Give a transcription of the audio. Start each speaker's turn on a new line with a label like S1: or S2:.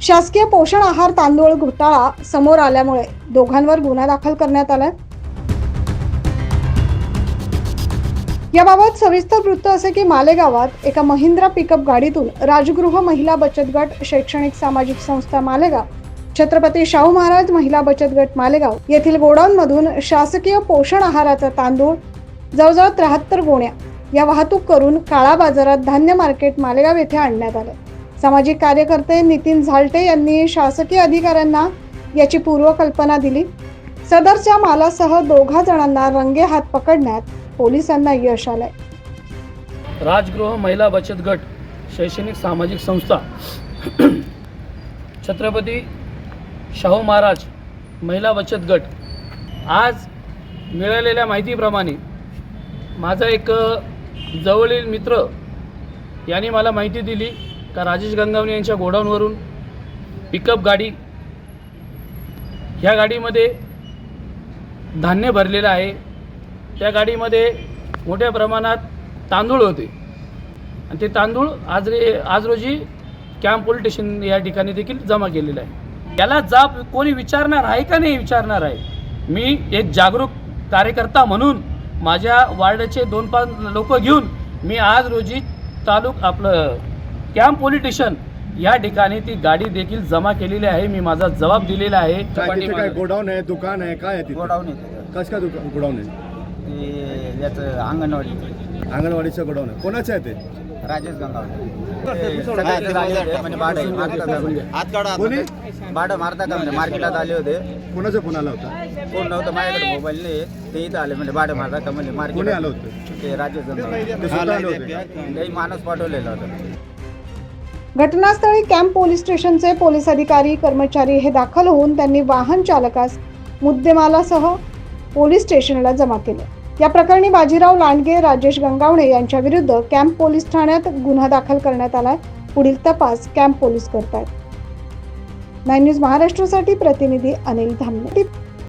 S1: शासकीय पोषण आहार तांदूळ घोटाळा समोर आल्यामुळे दोघांवर गुन्हा दाखल करण्यात आलाय। याबाबत सविस्तर वृत्त असे की मालेगावात एका महिंद्रा पिकअप गाडीतून राजगृह महिला बचत गट शैक्षणिक सामाजिक संस्था मालेगाव, छत्रपती शाहू महाराज महिला बचत गट मालेगाव येथील गोडाऊनमधून शासकीय पोषण आहाराचा तांदूळ जवळजवळ 73 गोण्या या वाहतूक करून काळा बाजारात धान्य मार्केट मालेगाव येथे आणण्यात आले। सामाजिक कार्यकर्ते नितीन झालटे यांनी शासकीय अधिकाऱ्यांना याची पूर्वकल्पना दिली। सदरच्या मालासह दोघा जणांना रंगे हात पकडण्यात पोलिसांना यश आलंय।
S2: राजगृह महिला बचत गट शैक्षणिक सामाजिक संस्था छत्रपती शाहू महाराज महिला बचत गट आज मिळालेल्या माहितीप्रमाणे माझा एक जवळील मित्र यांनी मला माहिती दिली का राजेश गंगावणे यांच्या गोडाऊनवरून पिकअप गाडी, ह्या गाडीमध्ये धान्य भरलेलं आहे। त्या गाडीमध्ये मोठ्या प्रमाणात तांदूळ होते आणि ते तांदूळ आज रोजी कॅम्प पोलीस स्टेशन या ठिकाणी देखील जमा केलेलं आहे। याला जाब कोणी विचारणार आहे का नाही विचारणार आहे। मी एक जागरूक कार्यकर्ता म्हणून माझ्या वार्डाचे 2-5 लोक घेऊन मी आज रोजी आपलं कॅम्प पोलीस स्टेशन या ठिकाणी ती गाडी देखील जमा केलेली आहे। मी माझा जबाब दिलेला आहे।
S3: काय गोडाऊन आहे, दुकान आहे, काय आहे?
S4: गोडाऊन आहे।
S3: कसं काय गोडाऊन आहे?
S4: ते याचं
S3: अंगणवाडीचं गोडाऊन आहे। कोणाचं आहे ते?
S4: राजेश गंगावणे
S3: कोणी
S4: भाडं मारता का म्हणजे मार्केटात आले होते।
S3: कोणाचा फोन आला होता?
S4: कोण नव्हतं माझ्याकडे, मोबाईल नाही। ते इथं आले म्हणजे भाडं मारता का म्हणजे
S3: कोणी
S4: मार्केट
S3: आलं होतं?
S4: ते राजेश गंगावणे
S3: ते स्वतः आले होते?
S4: काही माणूस पाठवलेला होता।
S1: घटनास्थळी कॅम्प पोलीस स्टेशनचे पोलीस अधिकारी कर्मचारी हे दाखल होऊन त्यांनी वाहन चालकास मुद्देमालासह पोलीस स्टेशनला जमा केले। या प्रकरणी बाजीराव लांडगे, राजेश गंगावणे यांच्या विरुद्ध कॅम्प पोलीस ठाण्यात गुन्हा दाखल करण्यात आलाय। पुढील तपास कॅम्प पोलीस करतायत। 9 न्यूज महाराष्ट्रासाठी प्रतिनिधी अनिल धामणे।